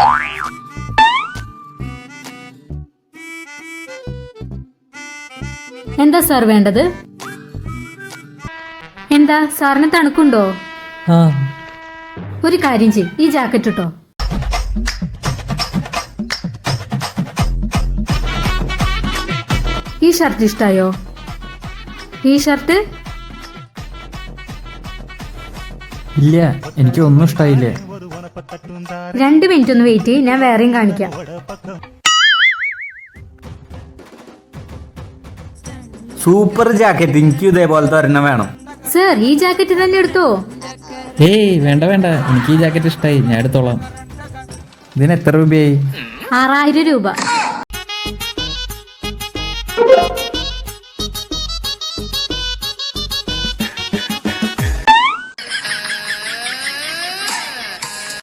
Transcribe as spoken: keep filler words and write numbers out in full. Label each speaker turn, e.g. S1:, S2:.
S1: എന്താ സാർ വേണ്ടത്? എന്താ സാറിന് തണുക്കുണ്ടോ? ഒരു കാര്യം ചെയ്യ്, ഈ ജാക്കറ്റ് ഇട്ടോ. ഈ ഷർട്ട് ഇഷ്ടായോ? ഈ ഷർട്ട്
S2: ഇല്ല, എനിക്ക് ഒന്നും ഇഷ്ടായില്ലേ.
S1: രണ്ട് മിനിറ്റ് ഒന്ന് വെയിറ്റ് ചെയ്യ്, ഞാൻ വേറെയും കാണിക്കാം.
S3: സൂപ്പർ ജാക്കറ്റ്, എനിക്ക് ഇതേപോലത്തെ ഒരെണ്ണം വേണം.
S1: സർ, ഈ ജാക്കറ്റ് തന്നെ എടുത്തോ.
S2: ഏയ് വേണ്ട വേണ്ട, എനിക്ക് ഈ ജാക്കറ്റ് ഇഷ്ടായി, ഞാൻ എടുത്തോളാം. ഇതിന് എത്ര രൂപയായി?
S1: ആറായിരം രൂപ.